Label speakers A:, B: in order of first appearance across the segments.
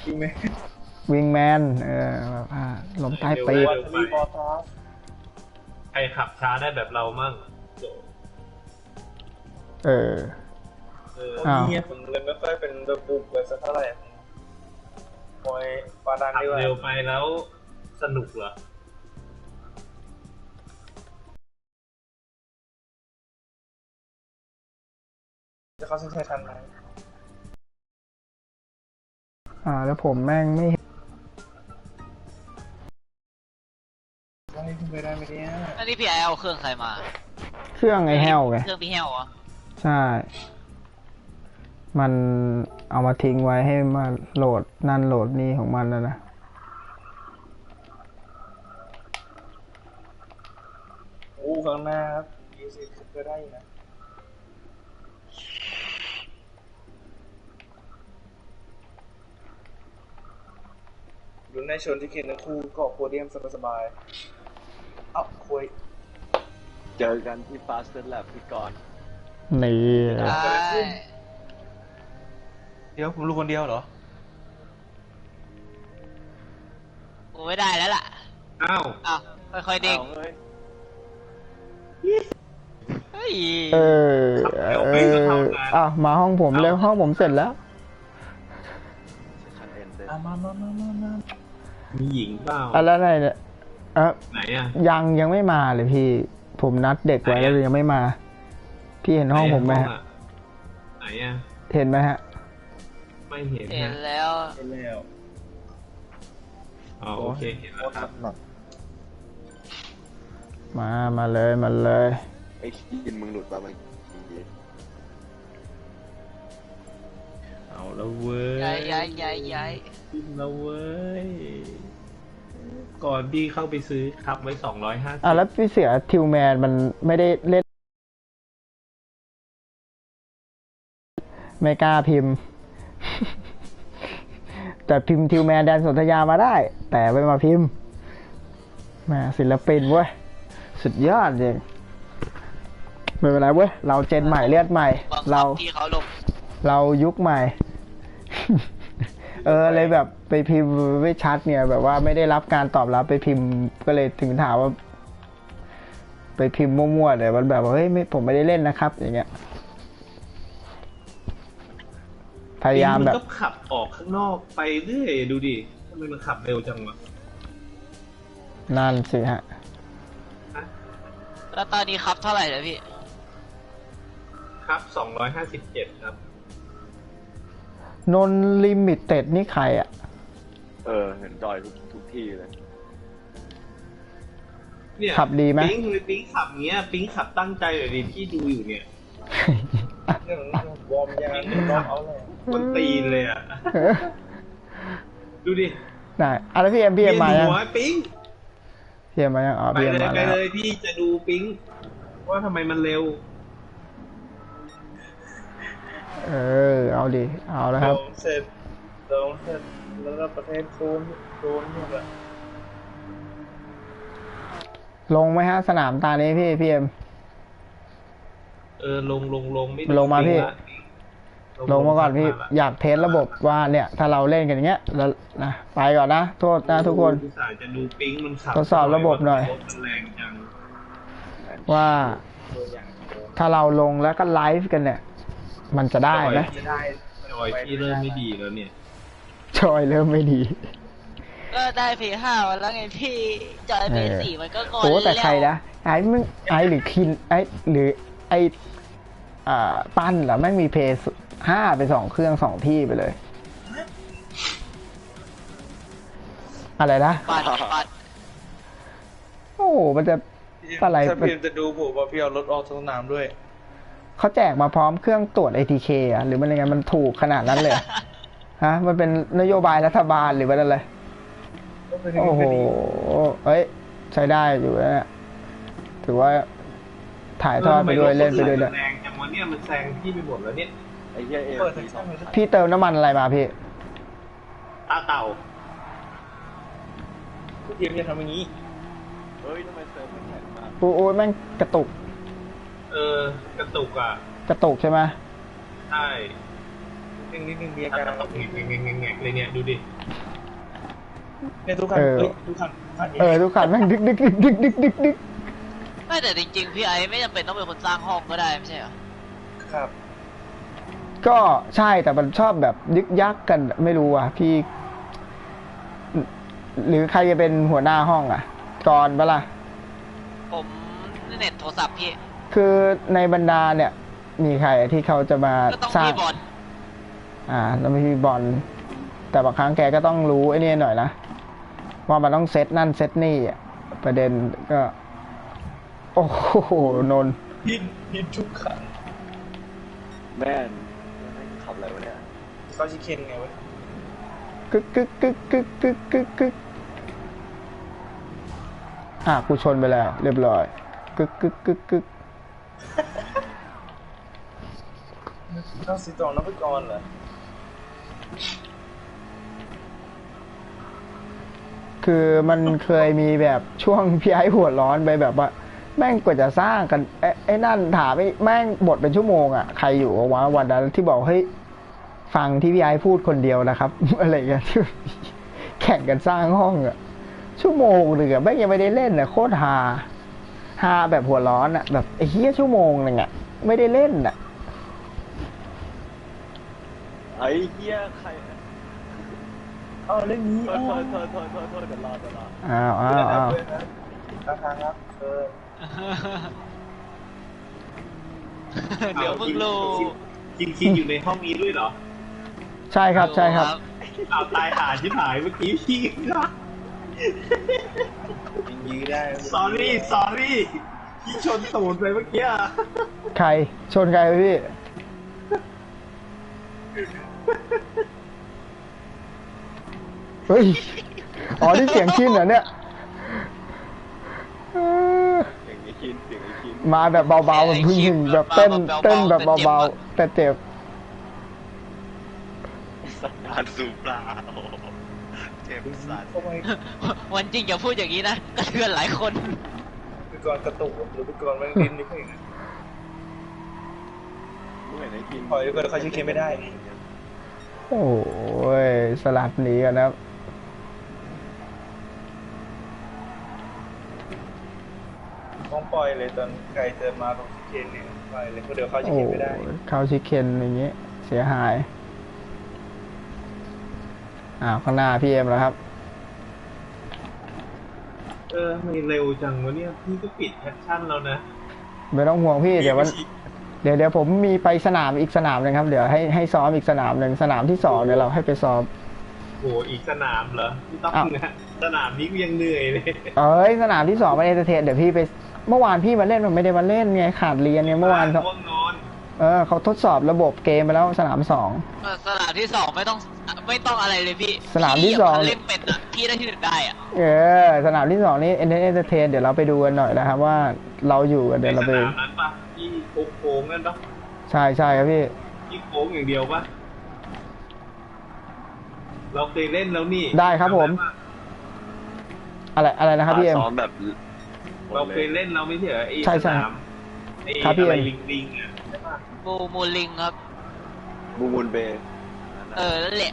A: วิงแมนแบบล้มใต้ปีก
B: ใครขับช้าได้แบบเรามั่ง
C: เนี่ยผมเลยไม่ค่อยเป็นระบุเลยสักเท่าไหร่คอยปาดันดีกว่า
B: เร็วไปแล้วสนุกเหรอ
C: จะเข้าเส้นชัยทันไหม
A: แล้วผมแม่งไม่
C: ขึ้นไปได้ไหมเนี่ย
D: อันนี้พี่ไอเอาเครื่องใครมา
A: เครื่องไอ้แฮวไง
D: เครื่องพี่แฮวเหรอ
A: ใช่มันเอามาทิ้งไว้ให้มาโหลดนั่นโหลดนี่ของมันแล้วนะ
C: ข้างหน้าครับ20ขึ้นไปได้นะลุ้นในชนที่เขียนทั้งคู่เกาะโพเดียมสบายๆคุย
E: เจอกันที่ Fastest Lab พี่กรณ์
A: นี่
C: เดี๋ยวผมรู้คนเดียวเหรอ
D: โอ้ไม่ได้แล้วล่ะ
B: อ้าว
D: ค่อยๆเด้ง
A: มาห้องผมแล้วห้องผมเสร็จแล้ว
C: มา
B: มีหญิงเปล่า
A: อะไรเนี่ย
B: ไหนอ่ะ
A: ยังไม่มาเลยพี่ผมนัดเด็กไว้แล้วยังไม่มาพี่เห็นห้องผมไหมฮะ
B: ไหนอ่ะ
A: เห็นไหมฮะ
B: ไม่เห็น
D: แล้ว
B: โอเคเห็นแล้วครับ
A: มาเลย
E: ไอ้กินมึงหลุดป่ะมัน
B: เอาแล้วเว้ย
D: ย้าย
B: กินแล้วเว้ยก่อนพี่เข้าไปซื้อขับไว้250
A: แล้วพี่เสือทิวแมนมันไม่ได้เล่นไม่กล้าพิมพ์ แต่พิมพ์ทิวแมนแดนสนธยามาได้แต่ไม่มาพิมพ์แม่ศิลปินเว้ยสุดยอดจริงไม่เป็นไรเว้ยเราเจนใหม่เลือดใหม่เรายุคใหม่ เลยแบบไปพิมพ์ไม่ชัดเนี่ยแบบว่าไม่ได้รับการตอบรับไปพิมพ์ก็เลยถึงถามว่าไปพิมพ์มั่วๆเลยมันแบบว่าเฮ้ยผมไม่ได้เล่นนะครับอย่างเงี้ยพยายามแบบ
B: มันก็ขับออกข้างนอกไปเรื่อยดูดิทำไมมันขับเร็วจังวะ
A: นั่นสิฮะ
D: แล้วตอนนี้ครับเท่าไหร่แล้วพี่
B: ครับ257ครับ
A: นนลิมิเต็ดนี่ใครอ่ะ
E: เห็นจอยทุกที่เลย
B: เนี่ย
A: ขับดีไหม
B: ปิ๊งขับเงี้ยปิ๊งขับตั้งใจเลยดิที่ดูอยู่เนี่ยวอร์มยางเอาเลยมันตีนเลยอ่ะดูดิ
A: ไหนแล้วพี่เอ็มมายัง
B: ปิ๊ง
A: พี่เอ็มมายัง
B: ไปเลยพี่จะดูปิ๊งว่าทำไมมันเร็ว
A: เอาดิเอาแล้วครับ
C: ลงเสร็จแล้วก็ประเทศโซนหมดละ
A: ลงไหมฮะสนามตานี้พี่เอ็ม
B: ลงไม่
A: ลงมาพี่ลงมาก่อนพี่อยากเทสระบบว่าเนี่ยถ้าเราเล่นกันอย่างเงี้ยแล้วนะไปก่อนนะโทษนะทุกคน
B: จะดูปิ๊งมันขับ
A: ทดสอบระบบหน่อยว่าถ้าเราลงแล้วก็ไลฟ์กันเนี่ยมันจะได้ไหม
B: จอยพี่เริ่มไม่ดีแล้วเนี่ย
A: จอยเริ่มไม่ดี
D: ก็ได้P5แล้วไงพี่จอยP4มันก็ก่อน
A: แล้วแต่ใครนะไอ้หรือคินหรือปั้นเหรอแม่งมีP5ไป2เครื่อง2ที่ไปเลยอะไรนะ
D: ปั้น
A: โอ้มันจะอะไร
C: ถ้าพี่จะดูผมว่าพี่เอารถออกสนามด้วย
A: เขาแจกมาพร้อมเครื่องตรวจ ATK อ่ะหรือมันยังไงมันถูกขนาดนั้นเลยฮะมันเป็นนโยบายรัฐบาลหรือว่าอะไรโอ้โหใช้ได้อยู่นะถือว่าถ่ายทอดไปด้วยเล่นไปด้วย
B: แรงจังวะเนี่ยมันแซงพี่ไปหมดแล้วเนี่ย
E: ไอ้เหี้ย
A: พี่เติมน้ำมันอะไรมาพี่
B: ตาเต่า
C: ทีมจะทำอย่างนี้
E: เฮ้ยทำไมเติมมันแข็งมาก
A: โอ้ยแม่งกระตุก
B: กระตุกอ่ะ
A: กระตุกใช่ไหม
B: ใช่
C: นิดนึงมีอา
B: การ
C: การ
B: ตกแงกเลยเนี่ยดูดิ
C: เนี่ยทุกคันทุกคัน
A: ทุกคันแม่งดึกดึกดึกดึกดึกดึกดึก
D: ไม่แต่จริงๆพี่ไอ้ไม่จำเป็นต้องเป็นคนสร้างห้องก็ได้ไม่ใช่เหรอ
C: ครับ
A: ก็ใช่แต่มันชอบแบบยึกยักกันไม่รู้อ่ะพี่ หรือใครจะเป็นหัวหน้าห้องอ่ะก่อนปะล่ะ
D: ผมเน็ตโทรศัพท์พี่
A: คือในบรรดาเนี่ย มีใครที่เขาจะมา
D: ก็ต้อง
A: สร้าง
D: พี่บอล
A: แล้วมีพี่บอลแต่บางครั้งแกก็ต้องรู้ไอ้นี่หน่อยนะว่ามันต้องเซตนั่นเซตนี่อ่ะประเด็นก็ โอ้โหนนท์
C: พินทุกคัน
E: แม่นขับอะไรวะเนี่ย
C: เขาชิเคนไงวะ
A: กึกกึกกึกกึกกึกกึกกึกกูชนไปแล้ว เรียบร้อยกึกกึกกึกกึก
C: เข้าสีตองนักกรเหรอ
A: คือมันเคยมีแบบช่วงพี่ไอ้หัวร้อนไปแบบว่า แม่งกว่าจะสร้างกันไอ้นั่นถามไอ้แม่งบทเป็นชั่วโมงอ่ะใครอยู่วะวันนั้นที่บอกเฮ้ยฟังที่พี่ไอ้พูดคนเดียวนะครับ อะไรเงี้ยที่แข่งกันสร้างห้องอ่ะชั่วโมงหนึ่งอ่ะแม่งยังไม่ได้เล่นอ่ะโคตรฮาแบบหัวร้อนอ่ะแบบไอ้เหี้ยชั่วโมงนึงอ่ะไม่ได้เล่นอ่ะ
E: ไอ้เหี้ยใคร
C: เรื่องนี้
E: โทษเดี๋ยวรอ
A: อ้าว
C: ทางครับ
D: เดี๋ยวเพิ่งรู้
B: คินอยู่ในห้องนี้ด้วยเหรอ
A: ใช่ครับใช่ครับ
B: เอาตายหาชิบหายเมื่อกี้พี่
C: ยื้อได้
B: sorry พี่ชนตูดไปเมื่อกี้
A: ใครชนใครไปพี่เฮ้ยนี่เสียงชินเหรอเนี่ย
E: เสียงไอ้คิน
A: มาแบบเบาๆแบบพึ่งแบบเต้นแบบเบาๆแต่เจ็บ
E: สันดานสูบปลาเจ็บสัตว์
C: ทำไม
D: วันจริงอย่าพูดอย่างนี้นะกระเทือนหลายคน
C: พิกรกระตุกหรือพิกรมันดิ้นนี่เอง
E: มึงเห็นไอ้คิน
C: ปล่อยเขาชิเคนไม่ได้
A: โอ้ยสลัดหนีกันนะครับ
C: ต้องปล่อยเลยตอนไกลเจอมาตรงชิเคนเนี่ยปล่อยเลยเพราะเดี๋ยวเขาชิเคนไม่ได้
A: เข้าชิคเคนอย่างเงี้ยเสียหายข้างหน้าพี่เอ็มแล้วครับ
B: ไม่เร็วจังวะเนี่ยพี่ก็ปิดแอคชั่นแล้วนะ
A: ไม่ต้องห่วงพี่เดี๋ยวผมมีไปสนามอีกสนามหนึ่งครับเดี๋ยวให้ซ้อมอีกสนามหนึ่งสนามที่2เดี๋ยวเราให้ไปซ้อม
B: โหอีกสนามเหรอไม่ต้องนะสนามนี้กูยังเหนื่อยเลย
A: สนามที่2ไปเอนเตอร์เทนเดี๋ยวพี่ไปเมื่อวานพี่มาเล่นมันไม่ได้มาเล่นไงขาดเรียนเนี่ยเมื่อวาน
B: ง่วงนอน
A: เขาทดสอบระบบเกมไปแล้วสนาม
D: สนามที่สองไม่ต้องอะไรเลยพี่
A: สนามที่สอง
D: เล่นเป็นอะพี่ได้ที่ 1ได้อะ
A: 2สนามที่2นี่เอนเตอร์เทนเดี๋ยวเราไปดูกันหน่อยนะครับว่าเราอยู่กันเดี๋ยวเราไป
B: สนามนั้นปะที่โค้งนั่นปะ
A: ใช่ครับพี่
B: ที่โค้งอย่างเดียวปะเราเคยเล่นแล้วนี่
A: ได้ครับผม อะไรนะครับพี่เอ็ม
E: ซ้อมแบบ
B: เราเคยเล่นแล้วไม่ใช่เหรอไอ้
A: ใช่
B: สนามไอ้
A: ครับพี่
B: อะไร
A: เอ็ม
B: ลิงอ่ะใช่ปะ
D: บูมูลิงครับ
E: บูมูลเบย์
D: นั่นแหละ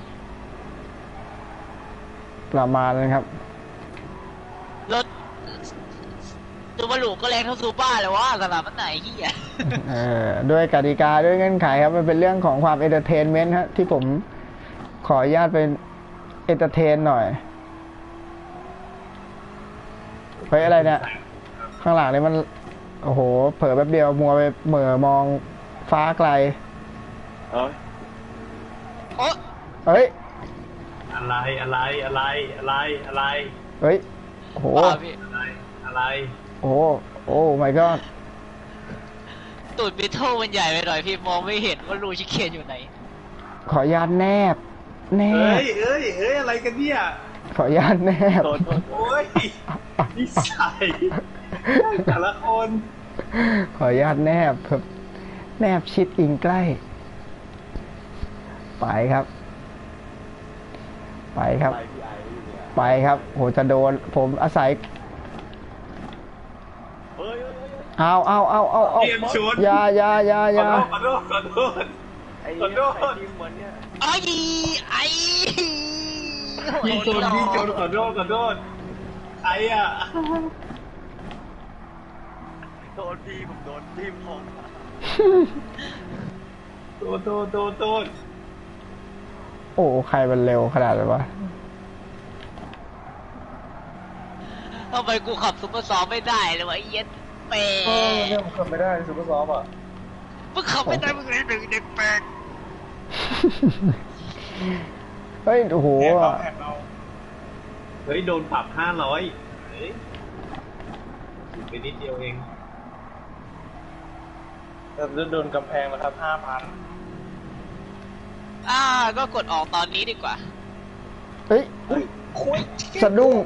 A: ประมาณนั้นครับ
D: รถซูบารุก็แรงเท่าซูบ้าเลยว่าสนามมันไหนที่อ่ะ
A: ด้วยกติกาด้วยเงื่อนไขครับมันเป็นเรื่องของความเอนเตอร์เทนเมนต์ฮะที่ผมขออนุญาตเป็นเอนเตอร์เทนหน่อยเฮ้ยอะไรเนี่ยข้างหลังนี่มันโอ้โหเผลอแป๊บเดียวมัวไปเหม่อมองฟ้าไกล
E: เอ้ย
D: โอ้
A: เฮ้ย
B: อะไร
A: เฮ้ยโอ้โห
D: บ้าพี่
B: อะไร
A: โอ้โอ้ my god
D: ตูดบิทเทิลมันใหญ่ไปหน่อยพี่มองไม่เห็นว่ารูชิเคนอยู่ไหน
A: ขออนุญาตแนบ
B: เฮ้ยอะไรกันเนี่ย
A: ขออนุญาตแนบ
E: โทษ
B: โอ้ยนิสัยแต่ละคน
A: ขออนุญาตแนบครับแนบชิดอิงใกล้ ไปครับ
E: ไปพี่ไอ้อยู่เนี่ย
A: ไปครับโหจะโดนผมอาศัย
E: เฮ้ย
A: เอา
B: เตรียมชน
A: อย่า
B: ขอโทษ
E: ไอ้
B: ขอโทษ
E: ไอ้ทีมเหมือนเนี่ย
D: ไอ้ไอ้
B: พี่โจนขอโทษใครอ่ะ
E: โดนพี่ผมโดนพี่ผม
B: โทษ
A: โอ้ใครมันเร็วขนาดนั้นวะ
D: ทำไมกูขับซุปเปอร์ซอฟไม่ได้เลยวะไอ้เหี้ย็ดเปร
C: เนี่ยผมขับไม่ได้ซูเปอร์ซอฟต์อ่ะ
D: มึงขับไม่ได้มึงเลยหนึ่งเด็กแปลก
A: เฮ้ย โอ้โห
C: แอบเรา
B: เฮ้ยโดนปรับ500เฮ้ยไปนิดเดียวเอง
C: แต่โดนกำแพงนะครับ5,000
D: ก็กดออกตอนนี้ดีกว่า
A: เฮ้ย
C: คุย
A: สะดุ้ง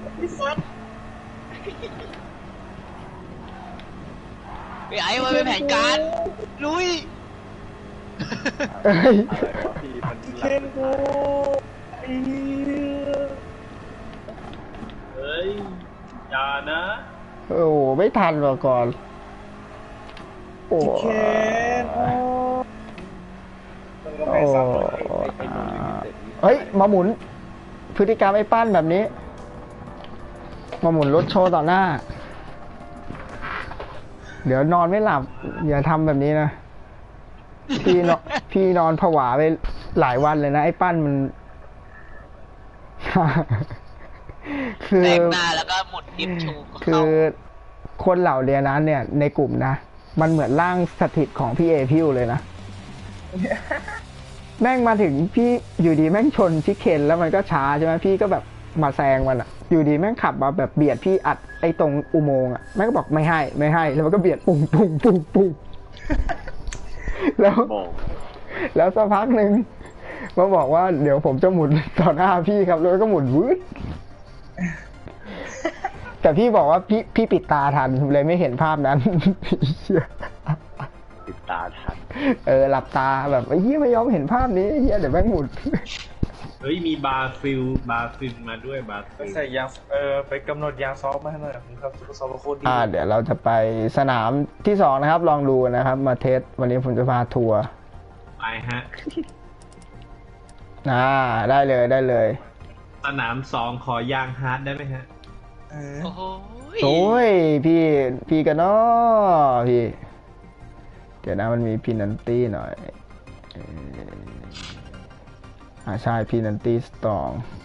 D: ไอ้มันเป็นแผนการลุย
A: เฮ้ย
E: อะไรวะพี่มันหลั
C: เคนกูไอ้
B: เฮ้ยอย่านะ
A: โอ้โห ไม่ทันมาก่อน โอ้
C: เคนมันก็
A: โอ้
C: ไม่ซ้ำเลย
E: ไอ้โนลิมิเต็ดนี่
A: เฮ้ย มาหมุน พฤติกรรมไอ้ปั้นแบบนี้ มาหมุนรถโชว์ต่อหน้า เดี๋ยวนอนไม่หลับ อย่าทำแบบนี้นะ พี่นอนผวาไปหลายวันเลยนะ ไอ้ปั้นมัน คือ
D: แตกหน้าแล้วก็หมดดิฟชูก็
A: คื
D: เข้า
A: อคนเหล่าเรียนนั้นเนี่ย ในกลุ่มนะ มันเหมือนร่างสถิตของพี่เอพิวเลยนะ แม่งมาถึงพี่อยู่ดีแม่งชนชิเคนแล้วมันก็ช้าใช่ไหมพี่ก็แบบมาแซงมันอะอยู่ดีแม่งขับมาแบบเบียดพี่อัดไอ้ตรงอุโมงค์อะแม่งก็บอกไม่ให้แล้วมันก็เบียดปุ้งแล้ว
E: บอก
A: แล้วสักพักหนึ่งมาบอกว่าเดี๋ยวผมจะหมุนต่อหน้าพี่ครับแล้วก็หมุนวืดแต่พี่บอกว่าพี่ปิดตาทันเลยไม่เห็นภาพนั้น
E: ติดตาทัน
A: หลับตาแบบไอ้เหี้ยไม่ยอมเห็นภาพนี้ไอ้เหี้ยเดี๋ยวแม่งหมุน
B: เฮ้ยมีบาฟิลมาด้วยบาฟิล
C: ใส่ยางไปกำหนดยางซอฟต์มาให้หน่อยผมครับซูเปอร์ซอฟต์โคตรดี
A: เดี๋ยวเราจะไปสนามที่สองนะครับ ลองดูนะครับ มาเทสวันนี้ผมจะพาทัวร์
B: ไปฮะ
A: ได้เลย
B: สนาม2ขอยางฮาร์ดได้ไหมฮะ
D: โอ้โห
A: โอ้ยพี่กันเนาะพี่ เดี๋ยวนะมันมีพินันตี้หน่อยใช่พินันตี้สตอง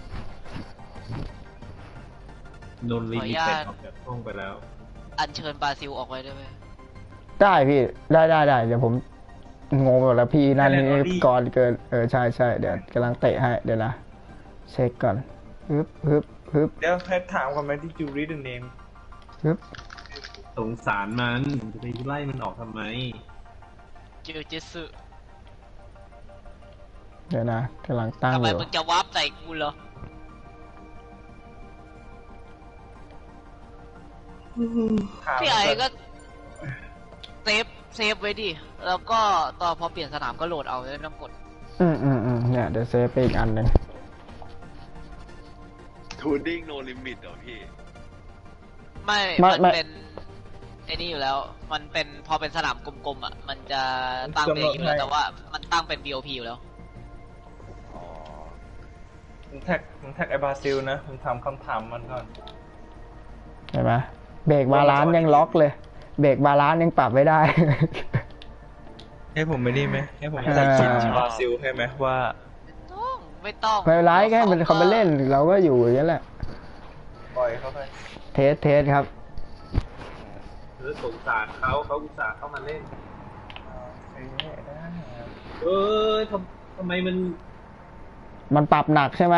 B: โดนลิมิเต็ดออกจากห้องไปแล้ว
D: อัญเชิญบราซิลออกไว้ได้ไหม
A: ได้พี่ได้เดี๋ยวผมงงหมดแล้วพี่นั่นนี่ก่อนเกินใช่เดี๋ยวกำลังเตะให้เดี๋ยวนะเช็คก่อนฮึบ
C: เดี๋ยวให้ถามก่อนไหมที่จูรีดเนม
A: ฮึบ
B: สงสารมันจะไปไล่มันออกทำไม
D: จิวจิสึ
A: เดี๋ยวนะกำลังตั้ง
D: ทำ
A: อ
D: ไม
A: ยู่
D: มึงจะวาร์ปใส่กูเหรอ
C: ถาม
D: พี่ไอ้ก็เซฟไว้ดิ แล้วก็ตอนพอเปลี่ยนสนามก็โหลดเอาไม่ต้องกด
A: เนี่ยเดี๋ยวเซฟไปอีกอันหนึ่ง
E: ทูดิ้งโนลิมิตเหรอพี่
D: มันเป็นไอ้นี่อยู่แล้ว มันเป็นพอเป็นสนามกลมๆอ่ะ มันจะตั้งเป็นอย่างนี้อยู่แล้วแต่ว่ามันตั้งเป็น BOP อยู่แล้ว
E: อ๋อ
C: ผมแท็กไอ้บราซิลนะผมถามคำถามมันก่อน
A: เห็นไหมเบรกบาลานซ์ยังล็อกเลย เบรกบาลานซ์ยังปรับไม่ได้
C: ให้ผมไม่ได้ไหมให้ผม
A: อ่า
C: ตัดสินบราซิลให้ไหมว่า
D: ไม่ต้อง
A: ไม่เป็นไรแค่มันเขาไปเล่นเราก็อยู่อย่างนี้แหละ
C: ปล่อยเข้าไป
A: เทสครับ
B: สงสารเขาอุตส่าห์เข้ามาเล่น
C: ได้
B: ทำไมมัน
A: มันปรับหนักใช่ไหม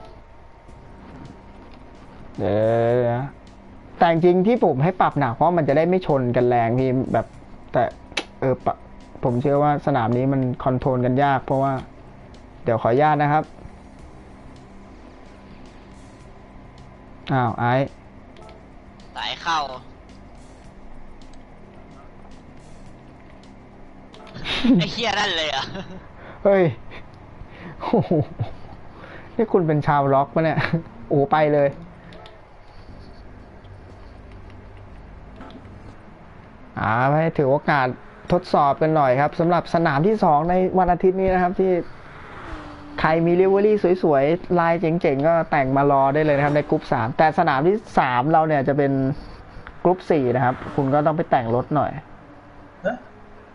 A: เดี๋ยวนะแต่จริงๆที่ผมให้ปรับหนักเพราะมันจะได้ไม่ชนกันแรงพี่แบบแต่ผมเชื่อว่าสนามนี้มันคอนโทรลกันยากเพราะว่า เดี๋ยวขออนุญาตนะครับไอ้
D: สายเข้า ไอ้เฮียนั่นเลยอ่ะ
A: เฮ้ยโอ้โหนี่คุณเป็นชาวล็อกปะเนี่ยโอ้ไปเลยไปถือโอกาสทดสอบกันหน่อยครับสำหรับสนามที่2ในวันอาทิตย์นี้นะครับที่ใครมีลิเวอรี่สวยๆลายเจ๋งๆก็แต่งมารอได้เลยนะครับในกรุ๊ป3แต่สนามที่3เราเนี่ยจะเป็นกรุ๊ป4นะครับคุณก็ต้องไปแต่งรถหน่อย
C: ฮะ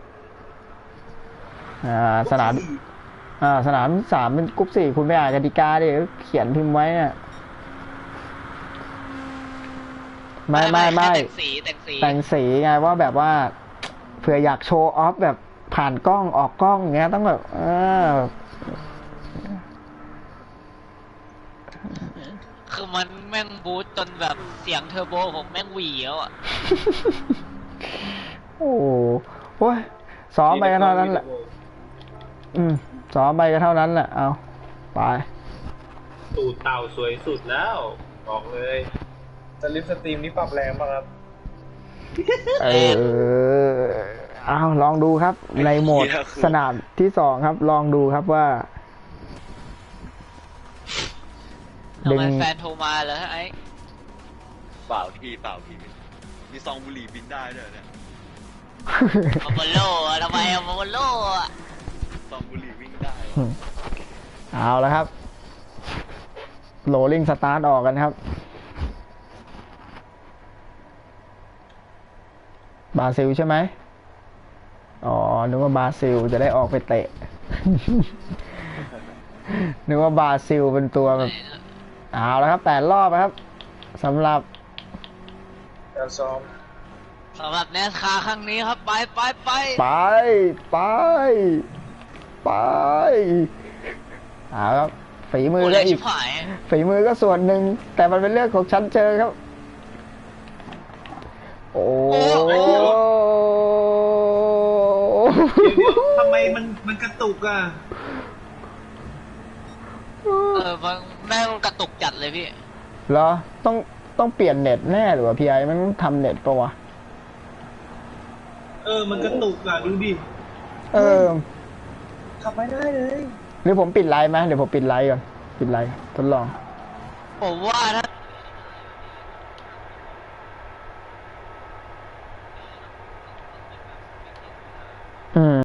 A: สนามสนาม3เป็นกรุ๊ป4คุณไปอ่านกติกาดิเขียนพิมพ์ไว้อะไม่
D: แค่แต่งสี
A: แต่งสีไงว่าแบบว่าเผื่ออยากโชว์ออฟแบบผ่านกล้องออกกล้องเงี้ยต้องแบบ
D: คือมันแม่งบูทจนแบบเสียงเทอร์โบผมแม่งหวีแล้วอ่ะ
A: โอ้โหซ้อมไปก็เท่านั้นแหละซ้อมไปก็เท่านั้นแหละเอาไป
B: ตูดเต่าสวยสุดแล้วบอกเลย
C: สลิปสตรีมนี่ปรับแรงป่ะครับ
A: เอาลองดูครับในโหมดสนามที่2ครับลองดูครับว่า
D: ทำไมแฟนโทรมาเหรอไอ้
E: เปล่าพี่มีซองบุหรี่บินได้ด้วยเนี่ย
D: อโมโลอะทำไมอโมโลอะ
E: ซองบุหรี่วิ่งได้
A: เอาแล้วครับโหลลิ่งสตาร์ทออกกันครับบราซิลใช่ไหมอ๋อนึกว่าบราซิลจะได้ออกไปเตะ นึกว่าบราซิลเป็นตัวแบบเอาแล้วครับ8 รอบนะครับสำหรับ
C: การซ้อม
D: สำหรับแนสคาครั้งนี้ครับไป
A: เอาครับฝีมือ
D: โอ้
A: ก็
D: ย
A: อี
D: ชิ
A: ก
D: บหาย
A: ฝีมือก็ส่วนหนึ่งแต่มันเป็นเรื่องของชั้นเชิงครับโอ้
B: เดี๋ยวทำไมมันกระตุกอ่ะ
D: มันแม่งกระตุกจัดเลยพี่
A: เหรอต้องเปลี่ยนเน็ตแน่หรือว่าพี่ไอ้มันต้องทำเน็ตปะวะ
B: มันกระตุกอ่ะดูดิ
C: ขับไม่ได้เลย
A: หรือผมปิดไลน์ไหมเดี๋ยวผมปิดไลน์ก่อนปิดไลน์ทดลอง
D: ผมว่าถ้า